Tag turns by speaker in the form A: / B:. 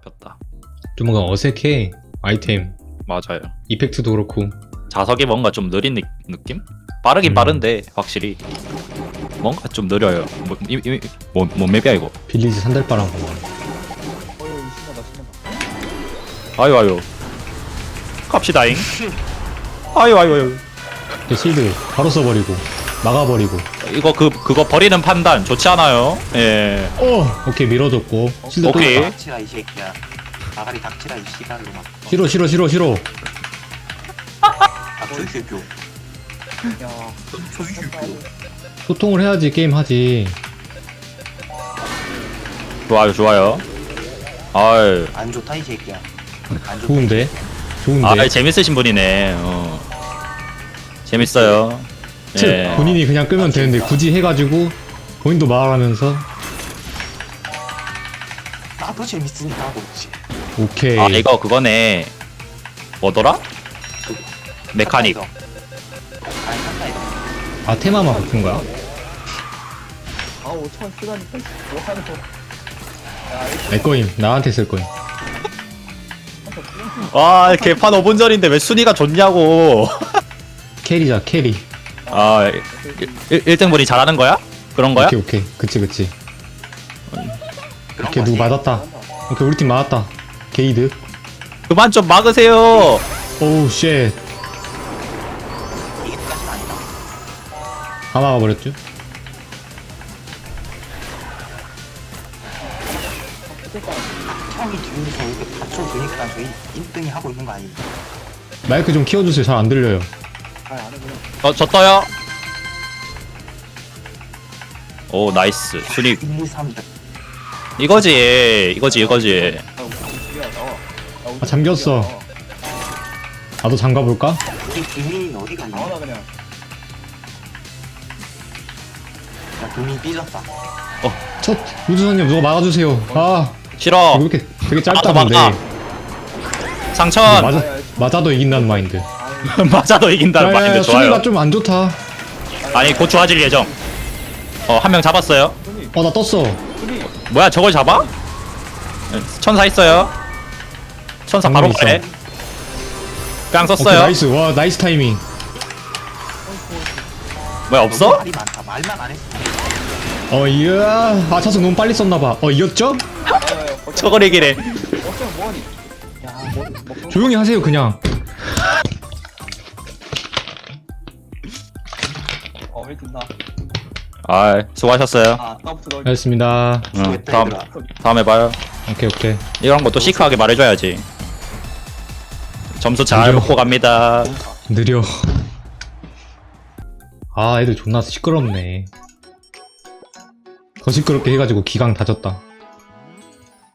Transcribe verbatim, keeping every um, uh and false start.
A: 잡혔다.
B: 좀 뭔가 어색해. 아이템
A: 맞아요.
B: 이펙트도 그렇고.
A: 자석이 뭔가 좀 느린 느, 느낌? 빠르긴
B: 음.
A: 빠른데 확실히 뭔가 좀 느려요. 뭐, 이, 이, 뭐, 뭔 맵이야 이거?
B: 빌리지 산달바람.
C: 어휴 신나다 신나다.
A: 아유 아유. 갑시다잉. 아유 아유 아유.
B: 그 실드 바로 써버리고 막아버리고.
A: 이거 그 그거 버리는 판단 좋지 않아요? 예.
B: 어 오케이 밀어줬고. 실드 또
A: 오케이.
B: 막아.
D: 닥치라 이 새끼야. 아가리 닥치라 이 시간으로 막.
B: 싫어 싫어 싫어 싫어.
D: 닥쳐 이 새끼야.
C: 야.
D: 닥쳐 이 새끼야.
B: 소통을 해야지 게임 하지.
A: 좋아요 좋아요. 아유.
D: 안 좋다 이 새끼야. 안 좋다.
B: 좋은데 좋은데.
A: 아 재밌으신 분이네. 어. 재밌어요.
B: 즉
A: 예.
B: 본인이 그냥 끄면 되는데 굳이 해가지고 본인도 말하면서.
D: 나도 재밌으니까 하고 있지.
B: 오케이.
A: 아 이거 그거네. 뭐더라? 메카닉.
D: 아니 한다 이거.
B: 아 테마만 바꾼 거야?
C: 아 오천 쓰다니까 뭐 하는 거. 야 이거
B: 내 거임. 나한테 쓸 거임.
A: 와 개판 오 분 전인데 왜 순위가 좋냐고.
B: 캐리자 캐리.
A: 아 일 등 분이 잘하는 거야? 그런 거야?
B: 오케이 오케이. 그치 그치.
D: 그런
B: 오케이
D: 거지.
B: 누구 맞았다. 오케이 우리 팀 맞았다. 게이드.
A: 그만 좀 막으세요.
B: 오우 쉣.
D: 이게까지는 아니다.
B: 다 막아버렸죠?
D: 형이 뒤에서 이렇게 받쳐주니까 저희 일 등이 하고 있는 거 아니에요?
B: 마이크 좀 키워주세요. 잘 안 들려요.
C: 아안 해 그냥.
A: 어, 저 떠요. 오 나이스 순위
D: 일, 이, 삼 등.
A: 이거지 이거지 이거지.
C: 아 우리 집이야 나와. 야, 우리
B: 아, 잠겼어.
C: 집이야, 나와.
B: 나도 잠가볼까?
D: 우리 금민이 어디 갔니?
C: 나와라 그냥.
D: 야 금민이 삐졌다.
B: 첫 우주선님 누가 막아주세요. 아
A: 싫어.
B: 이거 이렇게 되게
A: 막아,
B: 짧다던데.
A: 막아. 상천
B: 맞아 맞아도 이긴다는 마인드.
C: 아유
A: 맞아도 이긴다는
B: 야야야
A: 마인드
B: 순위가
A: 좋아요.
B: 좀 안 좋다.
A: 아니 곧 좋아질 예정. 어 한 명 잡았어요.
C: 손이
B: 어 나 떴어.
C: 손이.
A: 뭐야 저걸 잡아? 천사 있어요. 천사 바로
B: 방금
A: 가네. 깡
B: 오케이
A: 썼어요.
B: 나이스. 와 나이스 타이밍.
A: 뭐야
D: 너무
A: 없어?
D: 말이 많다. 말만 안 했어.
B: 어 이야. 아 차수 너무 빨리 썼나봐. 어 이겼죠?
A: 저걸 얘기래.
C: 어쩌면 뭐하니? 야뭐 뭐.
B: 조용히 하세요 그냥.
C: 어왜 듣나?
A: 아 수고하셨어요.
C: 아 아까부터 너.
B: 알겠습니다.
A: 응,
D: 수고했다,
A: 다음
D: 얘들아.
A: 다음에 봐요.
B: 오케이 오케이.
A: 이런 것도 시크하게 말해줘야지. 점수 잘
B: 그죠.
A: 먹고 갑니다.
B: 느려. 아 애들 존나 시끄럽네. 더 시끄럽게 해가지고 기강 다졌다.